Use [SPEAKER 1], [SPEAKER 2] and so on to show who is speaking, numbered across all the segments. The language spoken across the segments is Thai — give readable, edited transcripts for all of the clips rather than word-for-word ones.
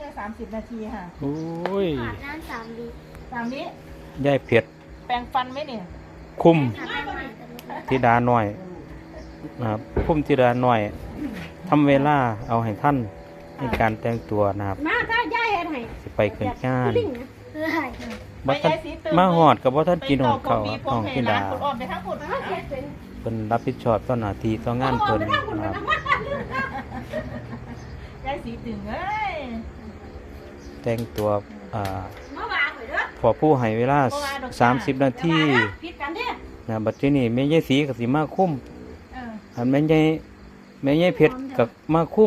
[SPEAKER 1] ค่30 นาทีค่ะ
[SPEAKER 2] โอ้ย
[SPEAKER 3] อาบน้ำ3 วิ
[SPEAKER 1] 3 วิ
[SPEAKER 2] ยายเผ็ด
[SPEAKER 1] แปรงฟันไหมเนี่ย
[SPEAKER 2] คุ้ม
[SPEAKER 3] อาบน้ำใหม่กันเลย
[SPEAKER 2] ธิดาน้อยนะครับคุ้มธิดาน้อยทำเวลาเอาให้ท่านในการแต่งตัวนะครับ
[SPEAKER 4] มาถ้าย่าเฮ็ดให้
[SPEAKER 2] สิไปขึ้นงาน
[SPEAKER 4] ลิงนะ
[SPEAKER 3] เพื่อให้
[SPEAKER 2] บ่ทันมาหอดกับบ่ทันกินหอดข้าวของธิดา
[SPEAKER 1] คุณอ้อมไปทั้งหมด
[SPEAKER 2] เพิ่นรับผิดชอบต่อหน้าที่ต่องานเพิ่นนะครับ
[SPEAKER 1] ยายสีตึงเอ้ย
[SPEAKER 2] แต่งตัว
[SPEAKER 4] มาวางไว้เด้อ
[SPEAKER 2] พอผู้ให้เวลา30 นาที
[SPEAKER 4] ผิดกันเด้อ
[SPEAKER 2] นะบัดทีนี้แม่ยายสีก็สิมาคุ้ม
[SPEAKER 1] เออ
[SPEAKER 2] อันแม่ยายเผ็ดก็มาคุ้ม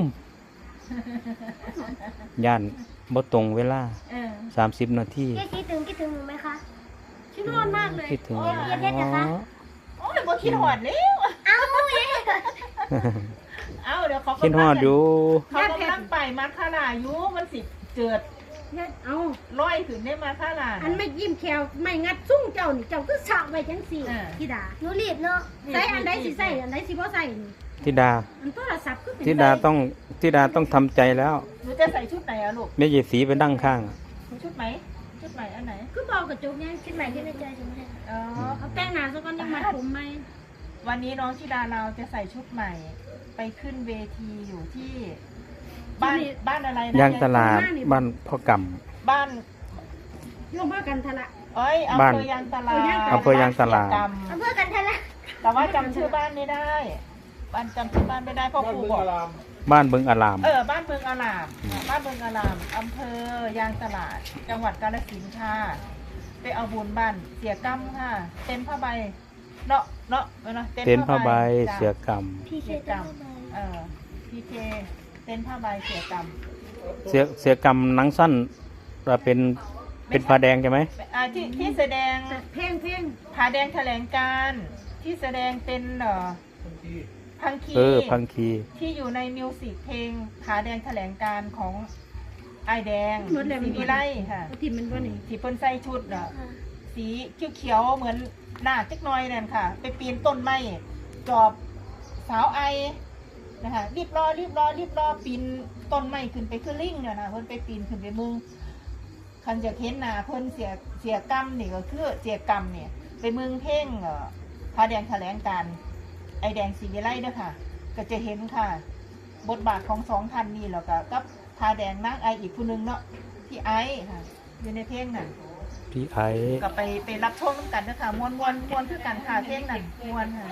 [SPEAKER 2] ย่านบ่ตรงเวลา
[SPEAKER 1] เออ
[SPEAKER 2] 30 นาที
[SPEAKER 3] แค่คิดถึงหนูไหมคะ
[SPEAKER 4] ชินอนมากเลย
[SPEAKER 2] คิดถึง
[SPEAKER 3] โอ้ยอย่าเผ็ดนะคะ
[SPEAKER 1] โอ้ยบ่คิดหอดแล้ว
[SPEAKER 3] เอ้าเย้
[SPEAKER 1] เอ้าเดี๋ยวเขา
[SPEAKER 2] คิดฮอดอยู่
[SPEAKER 1] เขากำลังไปมาคาราอยู่มันสิเจิด
[SPEAKER 4] เอา
[SPEAKER 1] ร้อยขึ้นได้มาคารา
[SPEAKER 4] อันไม่ยิ้มแขวไม่งัดซุ้งเจ้านี่เจ้าคือสาวไว้จังสี่ธิดา
[SPEAKER 3] หนูรีบเนาะ
[SPEAKER 4] ใส่อันใดสิใส่อันใดสิบ่ใส่นี่
[SPEAKER 2] ธิดา
[SPEAKER 4] อันโทรศัพท์คือเป็น
[SPEAKER 2] ธิดาต้องทำใจแล้ว
[SPEAKER 1] หนูจะใส่ชุดไหนอะลูก
[SPEAKER 2] แม่ยายสีไปนั่งข้าง
[SPEAKER 1] ชุดไหมชุดไหนอันไหน
[SPEAKER 4] คือบอกกระจกไง
[SPEAKER 3] คิดใหม่ที่ในใจใช่ไหม
[SPEAKER 1] อ๋อ
[SPEAKER 4] เอาแต่งหน้าซะก่อนยังมัดผมไหม
[SPEAKER 1] วันนี้น้องธิดาเราจะใส่ชุดใหม่ ไปขึ้นเวทีอยู่ที่ บ้านอะไรนะ
[SPEAKER 2] ย่างตลาดบ้านพ่อก
[SPEAKER 1] บ้าน
[SPEAKER 4] ร่วมกันทะละ
[SPEAKER 1] เอ้ยอำ
[SPEAKER 2] บ้าน
[SPEAKER 1] เภอยางตลาด
[SPEAKER 2] อำเภอยางตลาด
[SPEAKER 3] อำเภอกันทะละ
[SPEAKER 1] แต่ว่าจำชื่อบ้านไม่ได้บ้านจำชื่อบ้านไม่ได้เพราะครูบอก
[SPEAKER 2] ำบ้านเบิงอาราม
[SPEAKER 1] บ้านเมืองอารามบ้านเมืองอารามอำเภอยางตลาด จังหวัดกาฬสินธุ์ค่ะไปเอาบุญบ้านเสียกรรมค่ะ เต็นท์ผ้าใบเนาะ
[SPEAKER 2] เต็นท์ผ้าใบ
[SPEAKER 1] จ้ะ
[SPEAKER 2] เสือกรรม
[SPEAKER 3] พี่เค
[SPEAKER 1] เสีย
[SPEAKER 3] ย
[SPEAKER 1] กรร
[SPEAKER 3] ทำ
[SPEAKER 1] ม
[SPEAKER 3] ไม
[SPEAKER 1] พีเคเต็นท์ผ้าใบเสียกรรม
[SPEAKER 2] เสือกรรมหนังสั้นเป็นผ้าแดงใช่ไหม
[SPEAKER 1] ที่แสดง
[SPEAKER 4] เพลง
[SPEAKER 1] ผาแดงแถลงการณ์ที่แสดงเป็นพังคี
[SPEAKER 2] พังคี
[SPEAKER 1] ที่อยู่ในมิวสิกเพลงผาแดงแถลงการณ์ของไอายแดง
[SPEAKER 4] หมดเลย
[SPEAKER 1] สีวิไลค่ะ
[SPEAKER 4] ทีมมันบ่นี่
[SPEAKER 1] ที่เพิ่นใส่ชุดสีเขียวๆเหมือนหน้าจักหน้อยนั่นค่ะ ไปปีนต้นไม้จอบสาวไอนะคะรีบรอปีนต้นไม้ขึ้นไปขึ้นลิงเนี่ยนะเพิ่นไปปีนขึ้นไปมึงคันจะเห็นหน้าเพิ่นเสียกรรมนี่ก็คือเสียกรรมเนี่ยไปเมืองเพ่งพาแดงแถลงการณ์ไอแดงสีวิไลเด้อค่ะ ก็จะเห็นค่ะ บทบาทของ2 ท่านนี่แล้วก็กับพาแดงนางไออีกผู้หนึงเนาะที่ไอค่ะอยู่ในเพลงนั่น
[SPEAKER 2] พี่ไอ
[SPEAKER 1] ก็ไปรับชมกันนะคะมวนคือกันค่ะเพลงนั่นมวนค่ะ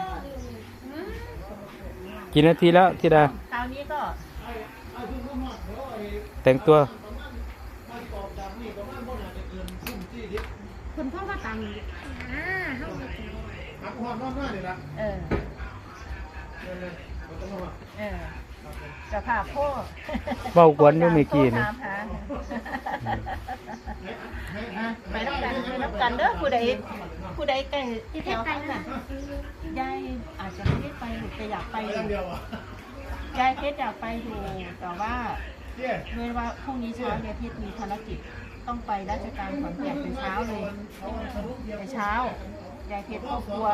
[SPEAKER 2] กี่นาทีแล้วธิดา
[SPEAKER 1] คราวนี้ก็
[SPEAKER 2] แต่งตัว
[SPEAKER 4] คนพ่อก็ตัง
[SPEAKER 3] ห้อง
[SPEAKER 1] เออจะพาพ่อ
[SPEAKER 2] เบ้ากวนอยู่เมื่อกี้นี่
[SPEAKER 1] ถามหาไปรับกันเด้อผู้ใดใกล้ที่แถวข้างน่ะยายอาจจะไม่ได้ไปหรือแต่อยากไปอยู่ยายเพชรอยากไปอยู่แต่ว่าเมื่อว่าพรุ่งนี้เช้ายายเพชรมีภารกิจต้องไปราชการขอนแก่นเป็นเช้าเลยแต่เช้ายายเพชรก็กลัว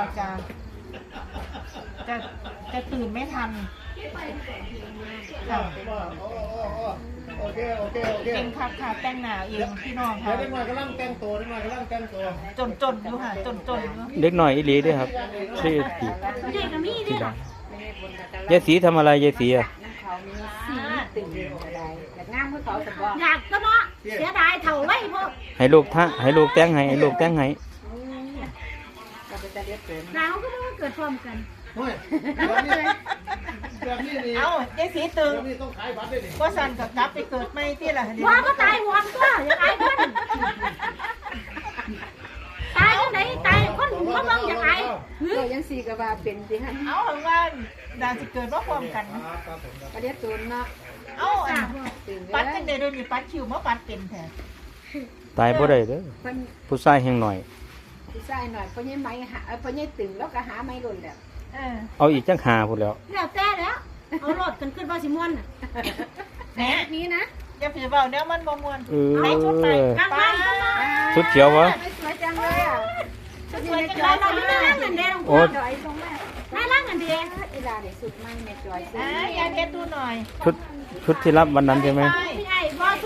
[SPEAKER 1] จะตื่นไม่ทันค่ะ
[SPEAKER 5] โอเค
[SPEAKER 1] เป็นค่ะแต่งหน้าเองพี่น้องค่ะ
[SPEAKER 5] เด็กหน่อยกำลังแต่งตัว
[SPEAKER 1] จนอยู่ค่ะจนอยู่
[SPEAKER 2] เด็กหน่อยอีหลีด้วยครับชื่อพี่
[SPEAKER 4] เด็กก็มี
[SPEAKER 2] ธิ
[SPEAKER 4] เด้อ
[SPEAKER 2] ดา ยายสีทำอะไรยายสีอ่ะ
[SPEAKER 4] อยากก็เนาะเสียดายเท่าไรพวก
[SPEAKER 2] ให้ลูกแต่งให้ลูกแต่งให้
[SPEAKER 4] หนาวก็ไม่เกิดพร้อมกัน
[SPEAKER 5] เฮ้ยแบบนี้นี่
[SPEAKER 1] เอ้ายายสีตึง
[SPEAKER 5] แบบนี้ต้องขายบัตรด้วยนี่
[SPEAKER 1] ว่าสันกับกลับไปเกิดไม่ที่ละ
[SPEAKER 4] ว่าก็ตายหวานก็อย่างไรคนตายคนไหนตายคนเขามองอย่างไร
[SPEAKER 6] ก็ยังสี่กับว่าเป็นสิฮะ
[SPEAKER 1] เอาของว่าดาจะเกิดว่าความกัน
[SPEAKER 6] ประเดี๋ยวตูนเนาะ
[SPEAKER 1] เอาอัน
[SPEAKER 6] ตื่น
[SPEAKER 1] ปัด
[SPEAKER 6] เล
[SPEAKER 1] จั
[SPEAKER 6] ย
[SPEAKER 1] งเดโดยมีปัดคิวมาปัดเป็นแท้
[SPEAKER 2] ตายบ่ได้เด้อ
[SPEAKER 6] เพิ่น
[SPEAKER 2] ผู้ชายแห่งหน่อย
[SPEAKER 6] ผู้ชายหน่อยเพิ่นยังไม้หาเพิ่นยังตึงแล้วก็หาไม้หล่นแล้ว
[SPEAKER 2] เอาอีกจังหาพุ่นแล้ว
[SPEAKER 4] แล้วแต่แล้วเอารถกันขึ้นบาสิมวนน่ะ
[SPEAKER 1] แหน่
[SPEAKER 4] นี้นะ
[SPEAKER 1] อย่าผีเบาเนี่ยมันบ่มวน
[SPEAKER 2] เออ
[SPEAKER 1] ในชุดใหม่
[SPEAKER 4] กลาง
[SPEAKER 1] ป้า
[SPEAKER 4] วัน
[SPEAKER 2] ชุดเขียววะ
[SPEAKER 6] ไม่สวยจังเลยอ่ะ
[SPEAKER 1] ชุดสวยจัง
[SPEAKER 4] เรา
[SPEAKER 1] เลย
[SPEAKER 4] ไม่ได้ร่างเงินเดือนของ
[SPEAKER 2] โอ๊
[SPEAKER 4] เรา
[SPEAKER 2] ต
[SPEAKER 6] จอยตรงแม่
[SPEAKER 4] ไม่ร่างเงินเดือน
[SPEAKER 6] เวลาเดี๋ยวสุดไม้แม่จอยสุด
[SPEAKER 1] ยายเพชรดูหน่อย
[SPEAKER 2] ชุดที่รับวันนั้นใช่ไหม
[SPEAKER 4] พี่ไอ้บอสุด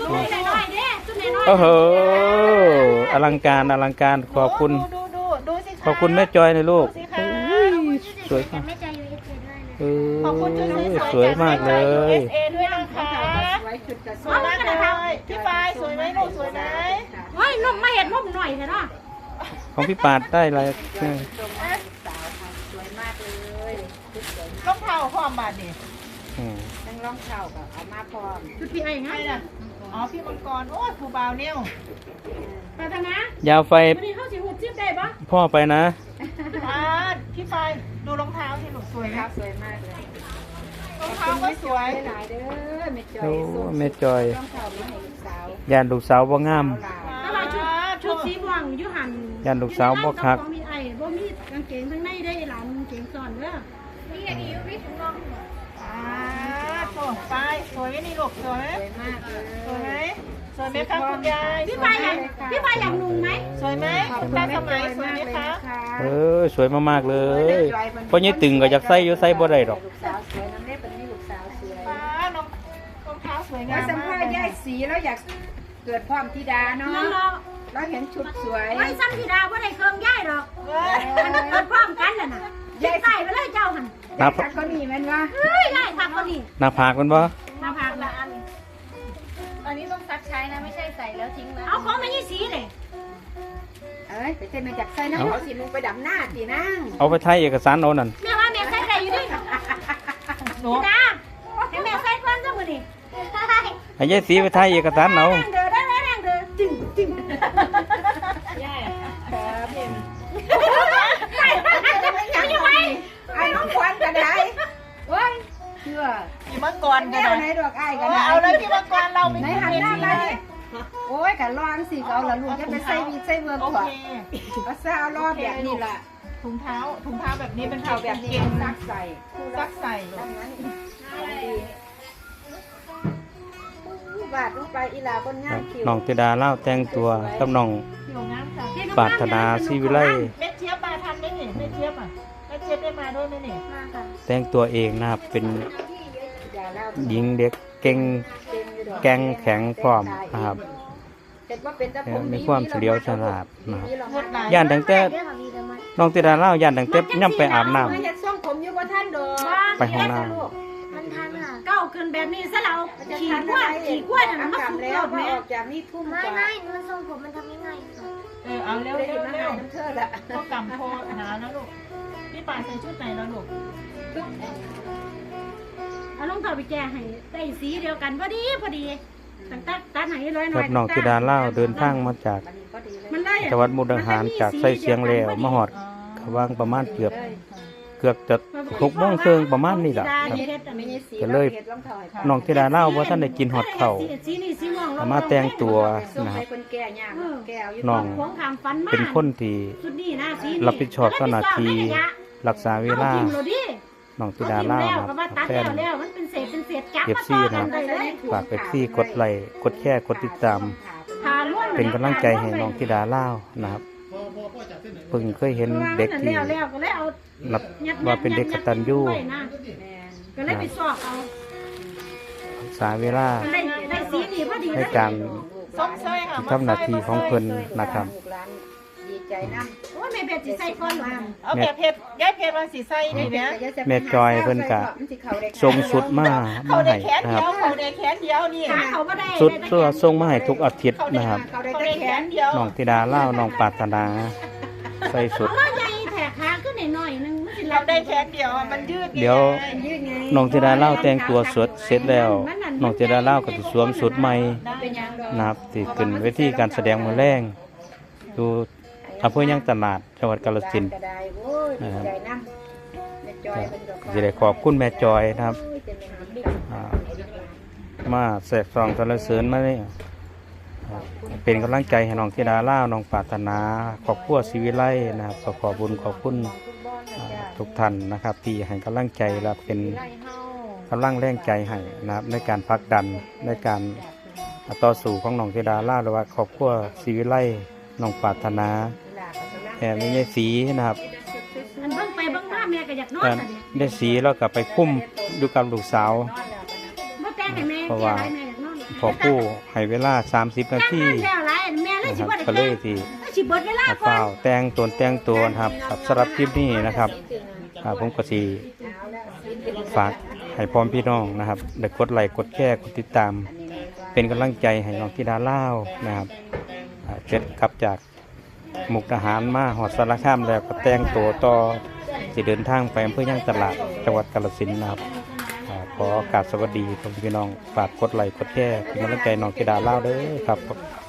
[SPEAKER 4] จุดน้อยๆเด้จุดน้อยๆ
[SPEAKER 2] โอ้โหอลังการอลังการขอบคุณ
[SPEAKER 1] ดูสิคะ
[SPEAKER 2] ขอบคุณแม่จอยนะลูก
[SPEAKER 1] ดูสิคะ
[SPEAKER 2] สวยมาก
[SPEAKER 3] ไม่ใจอยู่เอสเอด้วยนะ
[SPEAKER 2] เอ
[SPEAKER 1] ขอบคุณชุด
[SPEAKER 2] อสวยมากเลย
[SPEAKER 1] USA ด้วยนะคะ
[SPEAKER 6] ไว้ชุดกระ
[SPEAKER 1] สวยมากเลยพี่ปายสวยไหมลูกสวยไหม
[SPEAKER 4] เฮ้ยนมมาเห็ดนมหน่อยเถอะเนาะ
[SPEAKER 2] ของพี่ปาดได้อะไร
[SPEAKER 6] สาวค่ะสวยมากเลยชุดสวย
[SPEAKER 1] รองเท้าความบาดนี่
[SPEAKER 2] อืม
[SPEAKER 6] ทั้งรองเท้ากับเอามาพร้อม
[SPEAKER 4] จุดพี่ไอ้ไง
[SPEAKER 1] ใช่น่ะอ๋อพี่มังกรโอ้ยครูบาวเนี่ย
[SPEAKER 4] ไปทางนะ
[SPEAKER 2] ยาวไฟ
[SPEAKER 4] วันนี้เขาสิหูจิ้มได้ปะ
[SPEAKER 2] พ่อไปนะ
[SPEAKER 1] พี่ปายดูรองเท้าที่หนูสวย
[SPEAKER 6] ค
[SPEAKER 1] ค
[SPEAKER 6] รั
[SPEAKER 1] รั
[SPEAKER 6] บบ สวยมากเลย
[SPEAKER 1] รองเท้าก็สวย
[SPEAKER 6] หลายเด้อแม่จอ
[SPEAKER 2] โอ้
[SPEAKER 6] ย
[SPEAKER 2] แม่จอย
[SPEAKER 6] รองเท้ามาให้ลูกสาวย
[SPEAKER 2] านลูกสาวบ่งาม
[SPEAKER 4] แต่ว่าชุดสีม่วงอยู่หัน
[SPEAKER 2] ย่านลูกสาวบ่คัก
[SPEAKER 4] บ่มีไอ้บ่มีกางเกงข้างในได้หลานกางเกงซ้อนเด้อ
[SPEAKER 3] นี่อย่างนี้ไม่ถึงน้อง
[SPEAKER 1] โอ้ปายสวยไหมนี่ลูกสวยไหม
[SPEAKER 6] สวยมากเลย
[SPEAKER 1] สวยไหมสวยไหมคะคุณยาย
[SPEAKER 4] พี่ปายอยากนุ่งไหม
[SPEAKER 1] สวยไหม
[SPEAKER 6] ขอบ
[SPEAKER 1] คุณ
[SPEAKER 6] คุณ
[SPEAKER 1] ตา
[SPEAKER 6] แม่
[SPEAKER 1] ส
[SPEAKER 6] จ
[SPEAKER 1] มั
[SPEAKER 6] อย ย
[SPEAKER 1] สวย
[SPEAKER 6] มาก
[SPEAKER 1] ไหม
[SPEAKER 6] เลย
[SPEAKER 1] คะ
[SPEAKER 6] นะคะ
[SPEAKER 2] เออสวยมากๆเลยเพราะยี่ตึงก็อยากใส่อยู่ใส่บ่ได้ดอก
[SPEAKER 6] ลูกสาวสวยน้ำเล็บเป็นนี่ลูกสาวสวย
[SPEAKER 1] ป้ารองเท้าสวยงา
[SPEAKER 6] ว่าม สัม
[SPEAKER 1] มา
[SPEAKER 6] ภาก ษณ์ยายสีแล้วอยากเกิดพร้อมธิดาเนาะ
[SPEAKER 4] นั่นเนาะ
[SPEAKER 6] เราเห็นชุดสวย
[SPEAKER 4] ไว้ซ้ำธิดาบ่ได้เครื่องย่ายดอก
[SPEAKER 1] เว้ย
[SPEAKER 4] มันเกิดพร้อมกันน่ะน่ะยายใส่ไปเลยเจ้าหั่น
[SPEAKER 6] ยายสักคนนี้แม่นว่า
[SPEAKER 4] เฮ้ยได้ทักคนนี้
[SPEAKER 2] หน้าผากมันบ่
[SPEAKER 4] มาพากละอัน
[SPEAKER 3] ตอนนี้ต้องซักใช้นะไม่ใช่ใส่แล้วทิ้งนะ
[SPEAKER 4] เอาของมายี่สีเลย
[SPEAKER 6] เอ้ยไปเต้นมาจากไส้น้ำเขาสิมึงไปดำหน้าสินั่ง
[SPEAKER 2] เอาไปไทยเอกสารเอานั่น
[SPEAKER 4] แม่ว่าแม่ใส่ได้อยู่ดิ
[SPEAKER 1] หนู
[SPEAKER 4] ธิดาให้แม่ใส่ก่อนซะมื้อนี้
[SPEAKER 2] ให้ยายสีไปไทยเอกสารเอา
[SPEAKER 4] แรงเด้อได้แรงเด้อจึงจึง
[SPEAKER 6] ยังไงไอ้น้องควันกันได้เว้ยเชื่อ
[SPEAKER 1] พี่มังกร
[SPEAKER 6] แก้
[SPEAKER 1] กัน
[SPEAKER 6] ว
[SPEAKER 1] นะ
[SPEAKER 6] ไหนดอกไอ้กัน
[SPEAKER 1] เอาเลยพี่มังกรเราไม่
[SPEAKER 6] ไหน
[SPEAKER 1] มี
[SPEAKER 6] หัน
[SPEAKER 1] เว
[SPEAKER 6] หน้า
[SPEAKER 1] ที
[SPEAKER 6] มา
[SPEAKER 1] เล
[SPEAKER 6] ดิ
[SPEAKER 1] ย
[SPEAKER 6] โอ้ยกันร้อนสิเขาละลูกจะไปใส่วีใส่เวิร์ก
[SPEAKER 1] โอ
[SPEAKER 6] ก่อน
[SPEAKER 1] เค
[SPEAKER 6] เอาซะเอารอบแบบนี้ล่ะ
[SPEAKER 1] ถุงเท้าแบบนี้เป็น
[SPEAKER 6] เอา
[SPEAKER 1] เท้า
[SPEAKER 6] แบ
[SPEAKER 1] แบบ บ
[SPEAKER 6] นี้
[SPEAKER 1] เก่ง
[SPEAKER 6] ซักใส่
[SPEAKER 1] ซักใส่
[SPEAKER 6] ทำนั้นของดีบาดลงไปอีหลาบนงานคิว
[SPEAKER 2] น้องธิดาเล่าแต่งตัวกับน้อง
[SPEAKER 1] ผิวงามค่ะ
[SPEAKER 2] ปรารถนาศรีวิไล
[SPEAKER 1] เม็ดเจี๊ยบมาทันไหมนี่เม็ดเจี๊ยบอ่ะเม็ดเจี๊ยบได้มาด้วยไหมนี่
[SPEAKER 3] มาค่ะ
[SPEAKER 2] แต่งตัวเองนะครับเป็น
[SPEAKER 6] อย่าเล่า
[SPEAKER 2] หญิงเด็กเก่ง แกงแข็งพร้อมนะครับ
[SPEAKER 6] แต่ว่าเป็นตะพง
[SPEAKER 2] มีความเฉลียวฉลาดนะครับ
[SPEAKER 1] เลือดไหล
[SPEAKER 2] ย่านตั้งแต่
[SPEAKER 3] เรื่องของมีแต่มัน
[SPEAKER 2] น้องธิดาเล่าย่านตั้งแต่ย่ำไปอาบน้ำ
[SPEAKER 6] เฮ็ดส่งผมอยู่บ่ท่านดอก
[SPEAKER 2] ไปห้องน้
[SPEAKER 3] มันทันค่ะ
[SPEAKER 4] เก้าขึ้นแบบนี้ซะแล้ว
[SPEAKER 6] มันจะ
[SPEAKER 4] ขี่
[SPEAKER 6] ทัน
[SPEAKER 4] กล้วยขี่กล้วยน่ะ
[SPEAKER 6] อา
[SPEAKER 4] มัน
[SPEAKER 6] กาศ
[SPEAKER 4] สุก
[SPEAKER 6] แล้
[SPEAKER 4] ยว อด
[SPEAKER 6] มา
[SPEAKER 4] แม่
[SPEAKER 6] ออกจากนี่ทุ่ม
[SPEAKER 3] ไม่
[SPEAKER 6] กว่า
[SPEAKER 3] ไม่มันทรงผมมันทำง่ายๆค่ะ
[SPEAKER 1] เอาเร็ว
[SPEAKER 6] ได้
[SPEAKER 1] เร็
[SPEAKER 6] ยิ
[SPEAKER 1] วน
[SPEAKER 6] มา
[SPEAKER 1] เร็
[SPEAKER 6] หาว น้ำเธอละ
[SPEAKER 1] ก็กำโทษหาแล้วลูกพี่ป่านใส่ชุดไหนแล้วลูก
[SPEAKER 4] เอาลงเท้าไปแจกให้ได้สีเดียวกันพอดีตั้งตัดให้ร้อยห
[SPEAKER 2] ำ
[SPEAKER 4] น่
[SPEAKER 2] กั
[SPEAKER 4] อบ ย
[SPEAKER 2] น้องธิดาเล่าเดินทางมาจาก
[SPEAKER 6] บัดนี้พอดีเลย
[SPEAKER 4] มันเลย
[SPEAKER 2] จังหวัดมุกดาหารจากไส้เสียงแล้วมาหอดกวางประมาณเกือบจะ6 โมงครึ่งประมาณนี้แหละครับ
[SPEAKER 6] ไม่ใช่สี
[SPEAKER 2] ก็เลย
[SPEAKER 6] เฮ็ดรองเท้าให้
[SPEAKER 2] น้องธิดาเล่าว่าท่านได้กินฮอดข้าว
[SPEAKER 4] สีนี่สีม่วง
[SPEAKER 2] เอามาแต่งตัว
[SPEAKER 6] ส่ง
[SPEAKER 2] นะค
[SPEAKER 6] ให้
[SPEAKER 2] รับ
[SPEAKER 6] คนแก่ย่างแก้วอยู่
[SPEAKER 2] น้อง
[SPEAKER 4] ของขางฟันมา
[SPEAKER 2] เป็นคนที่
[SPEAKER 4] ชุดนี้นะสี
[SPEAKER 2] รับผิดชอบต่อหน้าที่รักษาเวลา
[SPEAKER 4] อทิ่มโลดิ
[SPEAKER 2] น้องธิดาเล่า
[SPEAKER 4] อ
[SPEAKER 2] นะ
[SPEAKER 4] ทิ่ม
[SPEAKER 2] ค
[SPEAKER 4] แล้วก็
[SPEAKER 2] รับ
[SPEAKER 4] ว่าตัด
[SPEAKER 2] แฟน
[SPEAKER 4] แล้วมันเป็นเศษจับ
[SPEAKER 2] เอฟ
[SPEAKER 4] มา
[SPEAKER 2] ซี
[SPEAKER 4] ต่อ
[SPEAKER 2] นะ
[SPEAKER 4] กันได้เลย
[SPEAKER 2] ฝากเอฟซีกดไลค์กดแชร์กดติดตาม
[SPEAKER 4] พาล้วน
[SPEAKER 2] เป็นกำลังใจให้น้องธิดาเล่านะครับเพิ่งเคยเห็นเด็กที่
[SPEAKER 4] แล้วก็เลยเอา
[SPEAKER 2] นับว่าเป็นเด็กกตัญญู
[SPEAKER 6] แม่น
[SPEAKER 4] ก็เลยไปสอบเอา
[SPEAKER 2] รักษาเวลา
[SPEAKER 4] ได้สีนี่พอดี
[SPEAKER 2] ในการ
[SPEAKER 1] ส้มเส้ยค่ะ
[SPEAKER 2] ทำหน้าที่ของเพิ่นนะครับ
[SPEAKER 6] ลูกหลานดีใจนำ
[SPEAKER 4] โอ้ยแม่เบ็ดสิใส่ก้อนหรอ
[SPEAKER 1] เอาแบบเพชรย้ายเพชรมาสีใส่ดีเนี่ย
[SPEAKER 2] แม่จอยเพิ่นก็ทรงสุดมา
[SPEAKER 1] เขา
[SPEAKER 2] ให้
[SPEAKER 1] ได้แขน
[SPEAKER 2] นะค
[SPEAKER 1] เดี
[SPEAKER 2] รับ
[SPEAKER 1] ยวเขาได้แขนเดียวนี่
[SPEAKER 4] ขาเขาไม่ได้
[SPEAKER 2] สุดตัวทรงมาให้ทุกอาทิตย์
[SPEAKER 1] เขาได้
[SPEAKER 2] นะครับ
[SPEAKER 1] เขาได้แขนเดียว
[SPEAKER 2] น้องธิดาเล่าน้องปรารถนาใส่สุด
[SPEAKER 4] เอามาใหญ่แถกขาขึ้นหน่อยนึงมันสิ
[SPEAKER 1] เราได้แขนเดียวมันยืด
[SPEAKER 2] เดี๋ยว
[SPEAKER 6] ยืดไง
[SPEAKER 2] น้องธิดาเล่าแต่งตัวสดเสร็จแล้วน้องธิดาเล่าก็จะสวมสุดใหม่
[SPEAKER 6] เป็นหยังดอก
[SPEAKER 2] นะครับที่ขึ้นเวทีการแสดงมือแรงดูอำเภอย่างตลาดจังหวัดกาฬสินธุ์
[SPEAKER 6] ก็ได้โอ้ยดีใจนำแม่จอยเพิ่นก็
[SPEAKER 2] จะได้ขอบคุณแม่จอยนะครับ
[SPEAKER 6] โอ้ยจะเป็นหางบิ๊ก
[SPEAKER 2] อ่ามาแสกซองสรรเสริญมาเนี่ยเป็นกำลังใจให้น้องธิดาเล่าน้องปรารถนาครอบครัวศิวิไลนะครับขอบุญขอบคุณทุกท่านนะครับ ที่ให้กำลังใจและเป็นกำลังแรงใจให้นะครับในการผลักดันในการต่อสู้ของน้องธิดาเล่าหรือว่าครอบครัวศิวิไลน้องปรารถนาแอบไม่ใช่สีนะครับ
[SPEAKER 4] อันเบิ่งไปเบิ่งมาแม่ก็อยากนอน
[SPEAKER 2] แต่
[SPEAKER 4] น่ะเนี่ย
[SPEAKER 2] ได้สีแล้วก็ไปคุ้มอยู่กับลูกสาว
[SPEAKER 4] บ่แต่งให้แม่
[SPEAKER 2] เพราะว่า
[SPEAKER 4] แม่อยากนอน
[SPEAKER 2] พออปู่ให้เวลา30นาที
[SPEAKER 4] แล้วหลายแม่เลย
[SPEAKER 2] นะ
[SPEAKER 4] สิ
[SPEAKER 2] ครับ
[SPEAKER 4] บ่ได้
[SPEAKER 2] ก็เลยที่
[SPEAKER 4] สิเบิดเวลาก่อ
[SPEAKER 2] เฝ้าน แต่งตัวนะครับครับสำหรับคลิปนี้นะครับผมก็สิฝากให้พร้อมพี่น้องนะครับได้กดไลค์กดแชร์กดติดตาม เป็นกำลังใจให้น้องธิดาลาวนะครับเจ็ดกลับจากมุกดาหารมาหอดสารคามแล้วก็แต่งตัวต่อสิเดินทางไปอำเภอย่างตลาดจังหวัดกาฬสินธุ์นะครับขอโอกาสสวัสดีพี่น้องฝากกดไลค์กดแชร์เป็นกำลังใจน้องธิดาลาวเด้อครับ